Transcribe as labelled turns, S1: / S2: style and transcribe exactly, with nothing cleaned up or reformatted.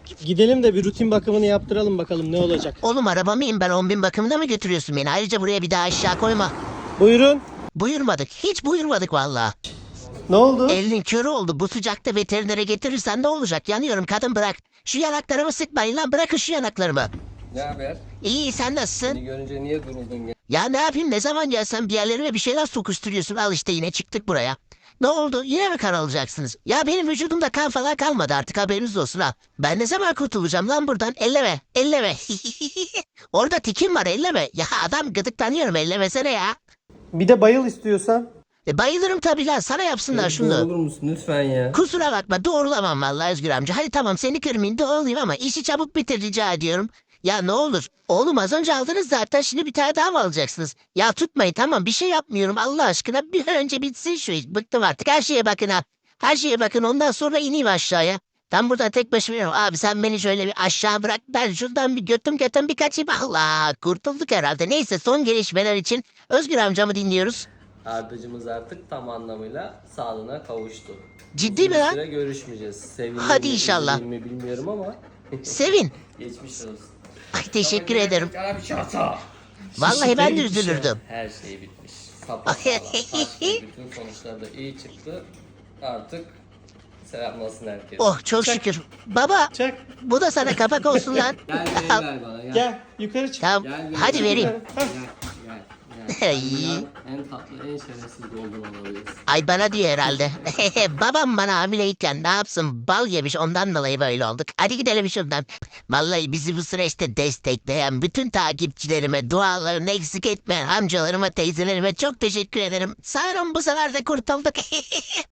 S1: Gidelim de bir rutin bakımını yaptıralım bakalım ne olacak.
S2: Oğlum araba mıyım ben, on bin bakımına mı götürüyorsun beni? Ayrıca buraya bir daha aşağı koyma.
S1: Buyurun.
S2: Buyurmadık. Hiç buyurmadık vallahi.
S1: Ne oldu?
S2: Elinin körü oldu. Bu sıcakta veterinere getirirsen ne olacak? Yanıyorum kadın, bırak. Şu yanaklarımı sıkmayın lan, bırakın şu yanaklarımı.
S3: Ne haber?
S2: İyi, sen nasılsın?
S3: Seni görünce niye duruldun ya?
S2: Ya ne yapayım, ne zaman gelsen bir yerlerime bir şeyler sokuşturuyorsun. Al işte yine çıktık buraya. Ne oldu? Yine mi kan alacaksınız? Ya benim vücudumda kan falan kalmadı artık, haberiniz olsun ha. Ben ne zaman kurtulacağım lan buradan? Elleme, elleme. Orada tikim var, elleme. Ya adam gıdıklanıyorum, ellemesene ya.
S1: Bir de bayıl istiyorsan.
S2: E bayılırım tabii lan, sana yapsınlar şunu.
S3: Doğrulur musun lütfen ya?
S2: Kusura bakma, doğrulamam vallahi Özgür amca. Hadi tamam, seni kırmayayım doğrulayayım ama işi çabuk bitir rica ediyorum. Ya ne olur. Oğlum az önce aldınız zaten, şimdi bir tane daha mı alacaksınız? Ya tutmayın, tamam bir şey yapmıyorum Allah aşkına. Bir an önce bitsin şu iş. Bıktım artık, her şeye bakın ha. Her şeye bakın, ondan sonra ineyim aşağıya. Ben burada tek başıma yürüyorum. Abi sen beni şöyle bir aşağı bırak. Ben şuradan bir götüm götüm bir kaçayım. Allah, kurtulduk herhalde. Neyse, son gelişmeler için Özgür amcamı dinliyoruz.
S3: Ardacımız artık tam anlamıyla sağlığına kavuştu.
S2: Ciddi
S3: Uzun
S2: mi lan?
S3: süre görüşmeyeceğiz. Sevindim
S2: Hadi
S3: mi,
S2: inşallah.
S3: üzüldüm mü bilmiyorum ama
S2: Sevin.
S3: geçmiş olsun.
S2: Ay teşekkür ederim.
S3: Sana bir şey olsa.
S2: Vallahi ben de
S3: Bitmiş ya.
S2: üzülürdüm.
S3: Her şey bitmiş. Sapasağlam. Taşlı, bütün sonuçlar da iyi çıktı. Artık selamlasın herkes.
S2: Oh çok şükür. Baba
S1: Çak.
S2: bu da sana kapak olsun lan.
S3: Gel gel ver bana gel.
S1: Gel yukarı çık.
S2: Tamam
S3: Gel, gel,
S2: hadi
S3: gel.
S2: vereyim.
S3: Gel gel. gel.
S2: Ay.
S3: Dünyanın en tatlı, en şerefsiz golden olabiliriz.
S2: Ay bana diyor herhalde. Babam bana hamileyken ne yapsın, bal yemiş, ondan dolayı böyle olduk. Hadi gidelim şuradan. Vallahi bizi bu süreçte destekleyen bütün takipçilerime, dualarını eksik etmeyen amcalarıma, teyzelerime çok teşekkür ederim. Sanırım bu sefer de kurtulduk.